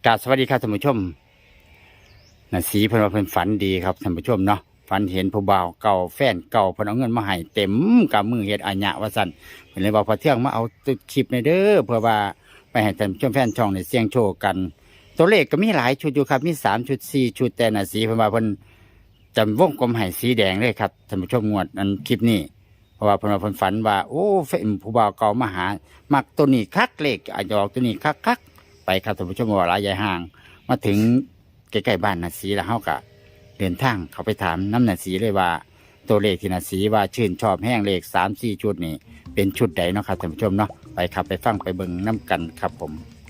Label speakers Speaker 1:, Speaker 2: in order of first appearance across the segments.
Speaker 1: กราบสวัสดีครับท่านผู้ชมน่ะสีเพิ่นว่าเพิ่นฝันดีครับท่านผู้ชมเนาะฝันเห็นผู้บ่าวเก่าแฟนเก่าเพิ่นเอาเงินมาให้เต็มกำมือเฮ็ดอาญะว่าซั่นเพิ่นเลยว่าพอเที่ยงมาเอาคลิปในเด้อเพื่อว่าไปให้ท่านผู้ชมแฟนช่องได้เสี่ยงโชคกัน ตัวเลขก็มีหลายชุดอยู่ครับมี3ชุด4ชุดแต่น่ะสีเพิ่นว่าเพิ่นจำวงกลมให้สีแดงเลยครับท่านผู้ชมงวดอันคลิปนี้เพราะว่าเพิ่นว่าเพิ่นฝันว่าโอ้แฟนผู้บ่าวเก่ามาหามักตัวนี้คักเลขอาจจะออกตัวนี้คักๆไปครับท่านผู้ชมว่าหลายใหญ่ห่างมาถึงใกล้ๆบ้านน่ะสีแล้วเฮาก็เดินทางเขาไปถามน้ำน่ะสีเลยว่าตัวเลขที่น่ะสีว่าชื่นชอบแห้งเลข3-4ชุดนี่เป็นชุดใดเนาะครับท่านผู้ชมเนาะไปครับไปฟังไปเบิ่งน้ำกันครับผม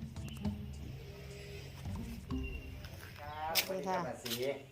Speaker 1: สวัสดีครับสี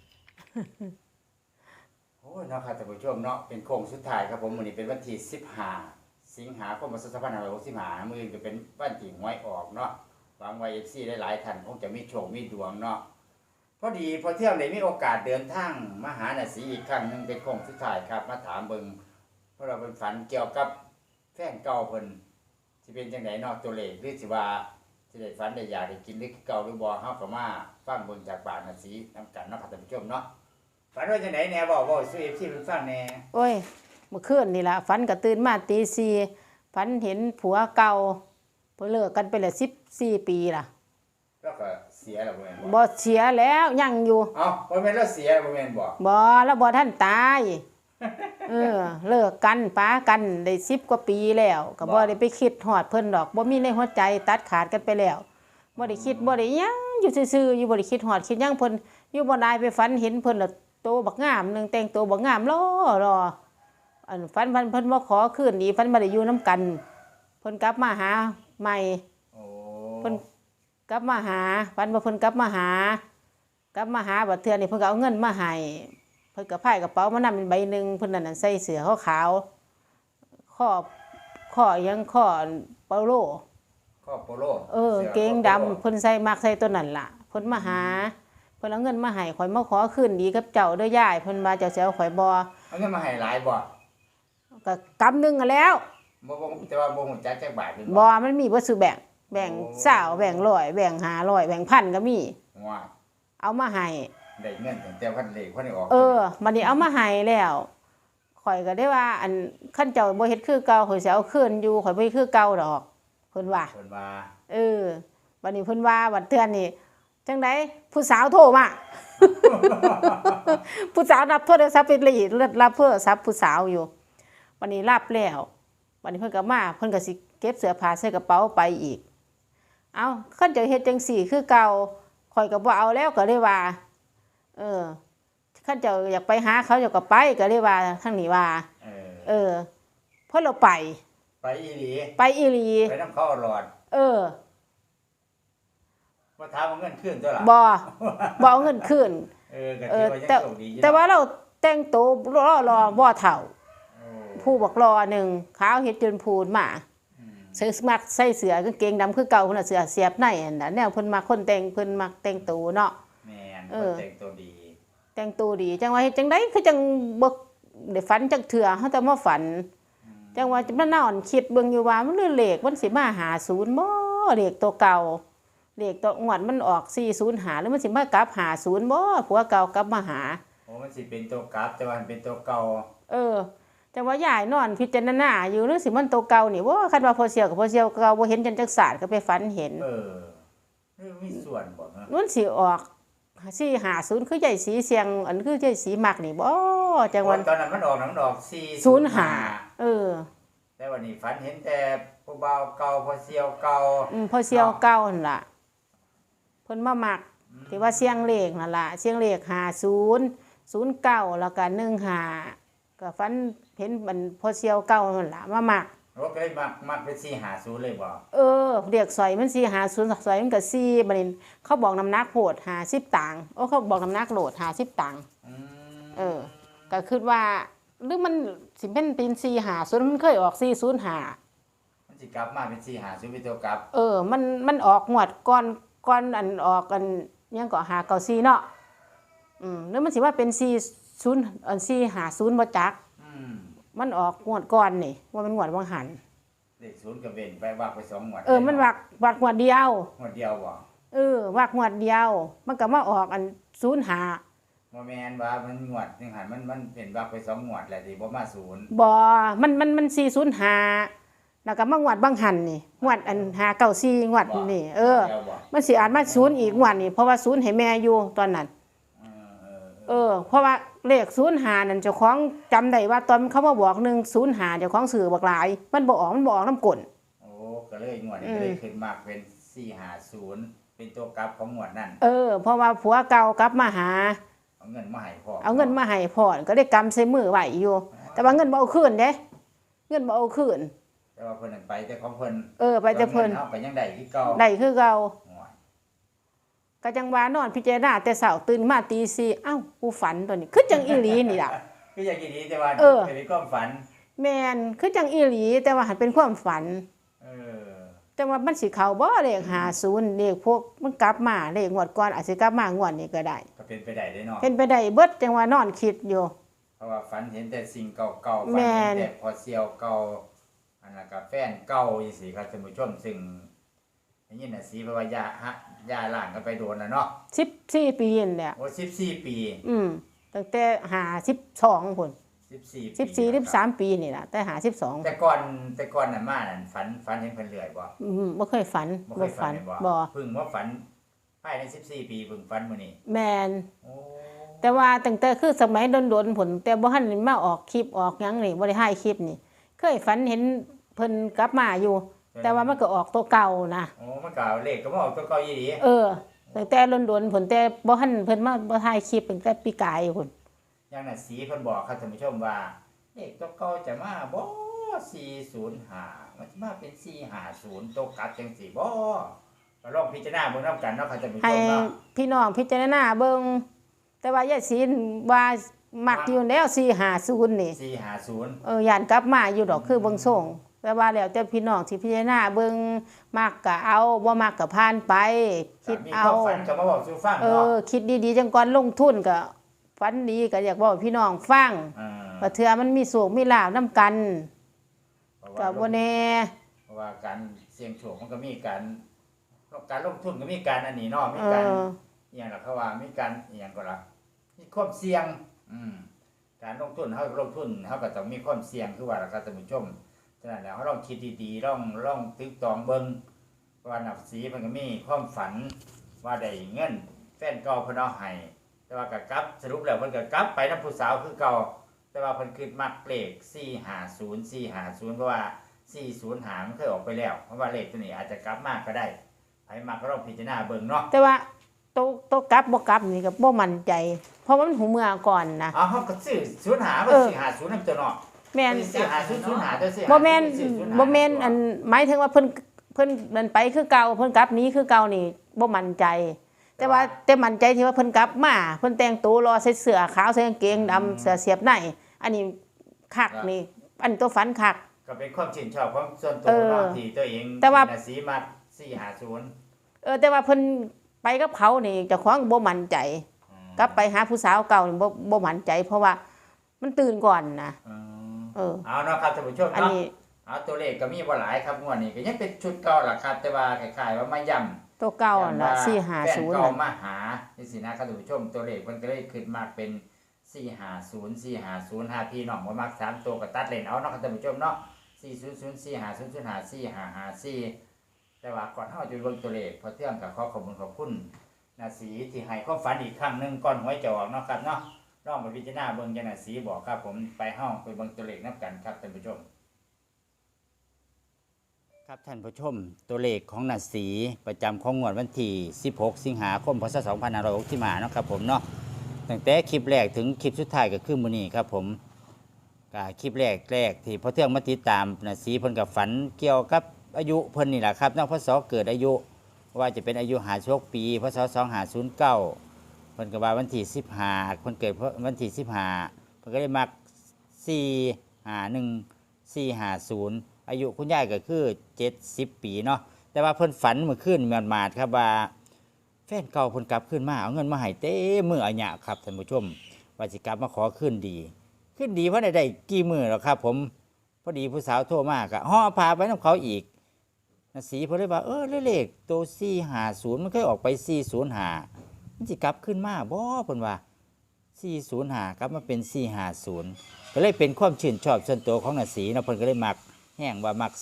Speaker 1: โอ้ยเนาะครับท่านผู้ชมเนาะเป็นโค้งสุดท้ายครับผมวันนี้เป็นวันที่15 สิงหาคม2565มื้อนี้ก็เป็นวันที่หวยออกเนาะหวังว่า FC หลายๆท่านคงจะมีโชคมีดวงเนาะพอดีพอเที่ยงได้มีโอกาสเดินทางมาหาน่ะสีอีกครั้งนึงเป็นโค้งสุดท้ายครับมาถามเบิ่งเพราะเราเป็นฝันเกี่ยวกับแฟนเก่าเพิ่นสิเป็นจังไดเนาะตัวเลขหรือสิว่าสิได้ฝันได้อยากได้กินหรือเก่าหรือบ่เฮาก็มาฟังเบิ่งจากปากน่ะสีนำกันเนาะครับท่านผู้ชมเนาะฝันว่าจังไดแหน่เว้าสู่ FC เพิ่นฟังแหน่
Speaker 2: โอ้ยเมื่อคืนนี่ล่ะฝันก็ตื่นมาตีสี่ฝันเห็นผัวเก่าเพิ่นเลิกกันไปแล้ว14 ปีล่ะ
Speaker 1: แล้วก็เสียแล้วบ่แม่นบ่
Speaker 2: บ่เสียแล้วยังอยู่
Speaker 1: เอ้าบ่แม่นแล้วเสียบ่แม่นบ่
Speaker 2: บ่แล้วบ่ทันตายเลิกกันป้ากันได้10 กว่าปีแล้วก็บ่ได้ไปคิดฮอดเพิ่นดอกบ่มีในหัวใจตัดขาดกันไปแล้วบ่ได้คิดบ่ได้หยังอยู่ซื่อๆอยู่บ่ได้คิดฮอดคิดหยังเพิ่นอยู่บ่ได้ไปฝันเห็นเพิ่นแล้วโตบักงามนึงแต่งตัวบักงามรออันฝันเพิ่นบ่ขอคืนดีฝันบ่ได้อยู่นํกันเพิ่นกลับมาหาใหม่
Speaker 1: โอ้
Speaker 2: เพิ่นกลับมาหาฝันว่าเพิ่นกลับมาหบัดเทื่อนี่เพิ่นก็เอาเงินมาให้เพิ่นก็พายกระเป๋ามานำเป็นใบนึงเพิ่นนั่นใส่เสื้อขาวข้อยังข้อโปโลเกงดำเพิ่นใส่มักใส่ตัวนั้นล่ะเพิ่นมาหาเพิ่นเอาเงินมาให้ข่อยมาขอคืนดีกับเจ้าเด้อยายเพิ่นว่าเจ้าสิเอาข่อยบ่
Speaker 1: เอาเงินมาให้หลายบ่
Speaker 2: ก็กำนึงอะแล้ว
Speaker 1: บ่แต่ว่าบ่ฮู้จักจักบาท
Speaker 2: บ่มันมีบ่ซื้อแบ่ง20แบ่ง100แบ่ง500แบ่ง1,000ก็มี
Speaker 1: ว้า
Speaker 2: เอามาให้
Speaker 1: ได้เงินตั้งแต่พันเลขพันออก
Speaker 2: บัดนี้เอามาให้แล้วข่อยก็ได้ว่าอันคันเจ้าบ่เฮ็ดคือเก่าข่อยสิเอาคืนอยู่ข่อยบ่เฮ็ดคือเก่าดอกเพิ่นว่าบัดนี้เพิ่นว่าบัดเทื่อนี่จังได๋ผู้สาวโทรมาผู้สาวรับโทรศัพท์ไปเลยรับโทรศัพท์ผู้สาวอยู่บัดนี้รับแล้วบัดนี้เพิ่นก็มาเพิ่นก็สิเก็บเสื้อผ้าใส่กระเป๋าไปอีกเอ้าคันเจ้าเฮ็ดจังซี่คือเก่าข่อยก็บ่เอาแล้วก็เลยว่าคันเจ้าอยากไปหาเขาเจ้าก็ไปก็เลยว่าทางนี้ว่าเพราะเราไป
Speaker 1: อีหลี
Speaker 2: ไป
Speaker 1: นำเขาหลอดบ่ถามเอาเงินคืนตัวล่ะ
Speaker 2: บ่เอาเงินคืนแต่ว่าเราแต่งตัวรอบ่เฒ่าผู้บักรอนึงขาวเฮ็ดจนพูนมาใส่มักใส่เสื้อกางเกงดำคือเก่าพุ่นน่ะเสื้อเสียบในอันน่ะแนวเพิ่นมักคนแต่งเพิ่นมักแต่งตัวเนาะ
Speaker 1: แม่นแต่ง
Speaker 2: ตัวดีจังว่าเฮ็ดจังได๋คือจังบ่ได้ฝันจักเทื่อเฮาแต่มาฝันจังว่าจะมานอนคิดเบิ่งอยู่ว่ามันเลขมันสิมา50บ่เลขตัวเก่าเลขตัวงวดมันออก405หรือมันสิมากลับ50บ่ผัวเก่ากลับมาหา
Speaker 1: โอ้มันสิเป็นตัวกลับแต่ว่ามันเป็นตัวเก่า
Speaker 2: แต่ว่ายายนอนพิจารณาอยู่หรือสิมันตัวเก่านี่บ่คันว่าพอเสี่ยวกับพอเสี่ยวเก่าบ่เห็นจังจักศาสตร์ก็ไปฝันเห็น
Speaker 1: มีส่วนบ่เนาะ
Speaker 2: มันสิออก450คือใหญ่สีเสียงอันคือใหญ่สีมักนี่บ่จังว่า
Speaker 1: ตอนนั้นมันออก
Speaker 2: 405
Speaker 1: แต่วันนี้ฝันเห็นแต่ผู้บ่าวเก่าพอเสี่ยวเก่า
Speaker 2: พอเสี่ยวเก่านั่นล่ะเพิ่นมามักที่ว่าเสียงเลขนั่นล่ะเสียงเลข50 09แล้วก็15ก็ฝันเห็นมันพอเสี่ยวเก่านั่นล่ะมามัก
Speaker 1: ก็เลยมักเป็น450เลยบ่
Speaker 2: เรียกสอยมัน450สอยมันก็4บัดนี้เขาบอกน้ำหนักโหด50ตังค์เขาบอกน้ำหนักโหลด50ตังค์ก็คิดว่าหรือมันสิเป็น450มันเคยออก405
Speaker 1: มันสิกลับมาเป็น450เป็นตัวกลับ
Speaker 2: มันออกงวดก่อนอันออกกันยังก็594เนาะหรือมันสิว่าเป็น40อัน450บ่จักมันออกงวดก่อนนี่ว่ามันงวดวังหัน
Speaker 1: เลข0ก็เว้นไปวักไป2งวด
Speaker 2: มันวักงวดเดียว
Speaker 1: บ่
Speaker 2: วักงวดเดียว มันก็มาออกอัน05
Speaker 1: บ่แม่นว่ามันงวดนึงหันมันเป็นว่าไป2งวดแหละสิบ่มาศูนย์
Speaker 2: บ่มัน405แล้วก็มางวดบางหันนี่งวดอัน594งวดนี่มันสิอาจมา0อีกงวดนี่เพราะว่า0ให้แม่อยู่ตอนนั้นเพราะว่าเลข05นั่นเจ้าของจำได้ว่าตอนเขามาบอก105เจ้าของซื้อบักหลายมันบ่ออกนำกล
Speaker 1: โอ้ก็เลยงวดนี้ก็เลยขึ้นมากเป็น450เป็นตัวกลับของงวดนั้น
Speaker 2: เพราะว่าผัวเก่ากลับมาหา
Speaker 1: เอาเงินมาให้พ่อ
Speaker 2: ก็ได้กำใส่มือไว้อยู่แต่ว่าเงินบ่เอาคืนเด้เงินบ่เอาคืน
Speaker 1: แต่ว่าเพิ่นไปแต่ของเพิ่น
Speaker 2: ไปแต่เพิ่น
Speaker 1: เฮาก็ยังได้คือเก่า
Speaker 2: ก็จังว่านอนพิจารณาแต่เช้าตื่นมาตี 4เอ้ากูฝันตัวนี้คือจังอีหลีนี่ล่ะ
Speaker 1: คือจังอีหลีแต่ว่าเป็นความฝัน
Speaker 2: แม่นคือจังอีหลีแต่ว่าหันเป็นความฝันแต่ว่ามันสิเข้าบ่เลข50เลขพวกมันกลับมาเลขงวดก่อนอาจสิกลับมางวดนี้ก็ได้
Speaker 1: ก็เป็นไปได้เนาะ
Speaker 2: เป็นไปได้เบิดจังว่านอนคิดอยู่
Speaker 1: เพราะว่าฝันเห็นแต่สิ่งเก่าๆฝันเห็นแต่พอเสี่ยวเก่าอันนั้นก็แฟนเก่าจังซี่ครับท่านผู้ชมซึ่งอย่างนี้น่ะสิเพราะว่าย่าล้างกันไปโดนแล้วเนาะ
Speaker 2: 14ปีนั่นแหละ
Speaker 1: โอ้14ปี
Speaker 2: ตั้งแต่52พุ่น14 13ปีนี่ล่ะแต่52
Speaker 1: แต่ก่อนน่ะมานั่นฝันเห็นเพิ่นเรื่อยบ่
Speaker 2: บ่เคยฝัน
Speaker 1: บ่เพิ่งมาฝันภายใน14ปีเพิ่งฝันมื้อนี้
Speaker 2: แม่นแต่ว่าตั้งแต่คือสมัยโดนๆพุ่นแต่บ่ทันมาออกคลิปออกหยังนี่บ่ได้ถ่ายคลิปนี่เคยฝันเห็นเพิ่นกลับมาอยู่แต่ว่ามันก็ออกตัวเก่านะ
Speaker 1: มันก็เลขก็บ่ออกตัวเก่าอีหลี
Speaker 2: ตั้งแต่โดนๆพุ่นแต่บ่ทันเพิ่นมาบ่ถ่ายคลิปตั้งแต่ปีกายพุ่น
Speaker 1: อย่างน่ะสีเพิ่นบอกครับท่านผู้ชมว่าเลขตัวเก่าจะมาบ่405มันจะมาเป็น450ตัวกลับจังซี่บ่ก็ลองพิจารณาเบิ่งนำกันเนาะครับท่านผู้ชมเนาะ
Speaker 2: ให้พี่น้องพิจารณาเบิ่งแต่ว่ายายศิลป์ว่ามักอยู่แล้ว450นี่
Speaker 1: 450
Speaker 2: ย่านกลับมาอยู่ดอกคือเบิ่งส่งแต่ว่าแล้วแต่พี่น้องสิพิจารณาเบิ่งมักก็เอาบ่มักก็ผ่านไปคิดเอา
Speaker 1: มีความฝันก็มาบอกสู่ฟังเนาะ
Speaker 2: คิดดีๆจังก่อนลงทุนก็ฝันดีก็อยากบอกพี่น้องฟังว่าเทื่อมันมีโชคมีลาภนำกันก็บ่แน่
Speaker 1: เพราะว่าการเสี่ยงโชคมันก็มีการลงทุนก็มีการอันนี้เนาะมีการอีหยังล่ะเขาว่ามีการอีหยังก็ล่ะมีความเสี่ยงการลงทุนเฮาก็ต้องมีความเสี่ยงคือว่าล่ะครับท่านผู้ชมฉะนั้นแล้วเฮาลองคิดดีๆลองตึกตองเบิ่งว่านับสีมันก็มีความฝันว่าได้เงินแฟนเก่าเพิ่นเอาให้แต่ว่าก็กลับสรุปแล้วเพิ่นก็กลับไปนำผู้สาวคือเก่าแต่ว่าเพิ่นคิดมักเลข450เพราะว่า405มันเคยออกไปแล้วเพราะว่าเลขตัวนี้อาจจะกลับมาก็ได้ไผมักก็ลองพิจารณาเบิ่งเนาะ
Speaker 2: แต่ว่าโตกลับบ่กลับนี่ก็บ่มั่นใจเพราะว่ามันหูเมื่อก่อนนะ
Speaker 1: เฮาก็ซื้อ05บ่450นำตัวเนาะ
Speaker 2: แม่น
Speaker 1: 450แต่
Speaker 2: บ่แม่นอันหมายถึงว่าเพิ่นนั่นไปคือเก่าเพิ่นกลับนี้คือเก่านี่บ่มั่นใจแต่มั่นใจที่ว่าเพิ่นกลับมาเพิ่นแต่งตัวรอใส่เสื้อขาวใส่กางเกงดำเสื้อเสียบในอันนี้คักนี่อันตัวฝันคัก
Speaker 1: ก็เป็นความชื่นชอบของส่วนตัวเนาะที่ตัวเองน่ะสีมัก450
Speaker 2: แต่ว่าเพิ่นไปกับเขานี่เจ้าของบ่มั่นใจกลับไปหาผู้สาวเก่านี่บ่มั่นใจเพราะว่ามันตื่นก่อนนะ
Speaker 1: เอาเนาะครับท่านผู้ชมเนาะเอาตัวเลขก็มีบ่หลายครับงวดนี้ก็ยังเป็นชุดเก่าล่ะครับแต่ว่าคล้ายๆว่ามาย้ำ
Speaker 2: ตัวเก่าน่ะ450
Speaker 1: เก่ามาหาจังซี่นะครับท่านผู้ชมตัวเลขมันก็เลยขึ้นมาเป็น450พี่น้องบ่มัก3ตัวก็ตัดเล่นเอาเนาะครับท่านผู้ชมเนาะ400450054แต่ว่าก่อนเฮาจะเบิ่งตัวเลขพอเที่ยงก็ขอบคุณนาสีที่ให้ความฝันอีกครั้งนึงก่อนหวยจะออกเนาะครับเนาะลองไปพิจารณาเบิ่งจังนาสีบอกครับผมไปเฮาไปเบิ่งตัวเลขนำกันครับท่านผู้ชมครับท่านผู้ชมตัวเลขของนาสีประจำของงวดวันที่16สิงหาคมพศ2565ที่มาเนาะครับผมเนาะตั้งแต่คลิปแรกถึงคลิปสุดท้ายก็คือมื้อนี้ครับผมก็คลิปแรกที่พอเที่ยงมาติดตามนาสีเพิ่นก็ฝันเกี่ยวกับอายุเพิ่นนี่แหละครับนอกพศเกิดอายุว่าจะเป็นอายุ56ปีพศ2509เพิ่นก็ว่าวันที่15เพิ่นเกิดวันที่15เพิ่นก็ได้มัก451 450อายุคุณยายก็คือ70ปีเนาะแต่ว่าเพิ่นฝันเมื่อคืนหมาดๆครับว่าแฟนเก่าเพิ่นกลับคืนมาเอาเงินมาให้เต็มมืออัญญะครับท่านผู้ชมว่าสิกลับมาขอคืนดีเพราะได้กี่มื้อแล้วครับผมพอดีผู้สาวโทรมาก็ห่อพาไปนำเขาอีกนะสีเพิ่นเลยว่าเลขตัว450มันเคยออกไป405มันสิกลับขึ้นมาบ่เพิ่นว่า405กลับมาเป็น450ก็เลยเป็นความชื่นชอบส่วนตัวของนะสีเนาะเพิ่นก็เลยมักแห้งว่ามัก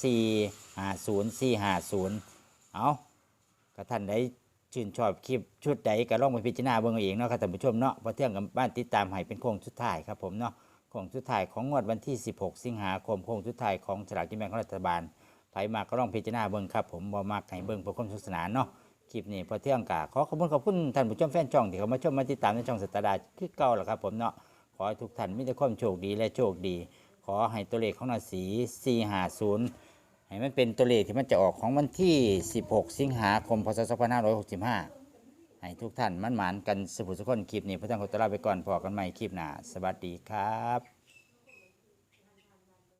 Speaker 1: 450เอาก็ท่านใดชื่นชอบคลิปชุดใดก็ลองไปพิจารณาเบิ่งเอาเองเนาะครับท่านผู้ชมเนาะพอเที่ยงกับบ้านติดตามให้เป็นโค้งสุดท้ายครับผมเนาะโค้งสุดท้ายของงวดวันที่16สิงหาคมโค้งสุดท้ายของสลากกินแบ่งของรัฐบาลไผมาก็ลองพิจารณาเบิ่งครับผมบ่มักให้เบิ่งเพื่อความสนุกสนานเนาะคลิปนี้พอเที่ยงกะขอขอบคุณท่านผู้ชมแฟนช่องที่เข้ามาชมมาติดตามในช่องสตาร์ดาคือเก่าแหละครับผมเนาะขอให้ทุกท่านมีแต่ความโชคดีและโชคดีขอให้ตัวเลขของราศี450ให้มันเป็นตัวเลขที่มันจะออกของวันที่16สิงหาคมพศ2565ให้ทุกท่านมั่นหมานกันสุขสุขคนคลิปนี้พระเจ้าขอตัวลาไปก่อนพอกันใหม่คลิปหน้าสวัสดีครับ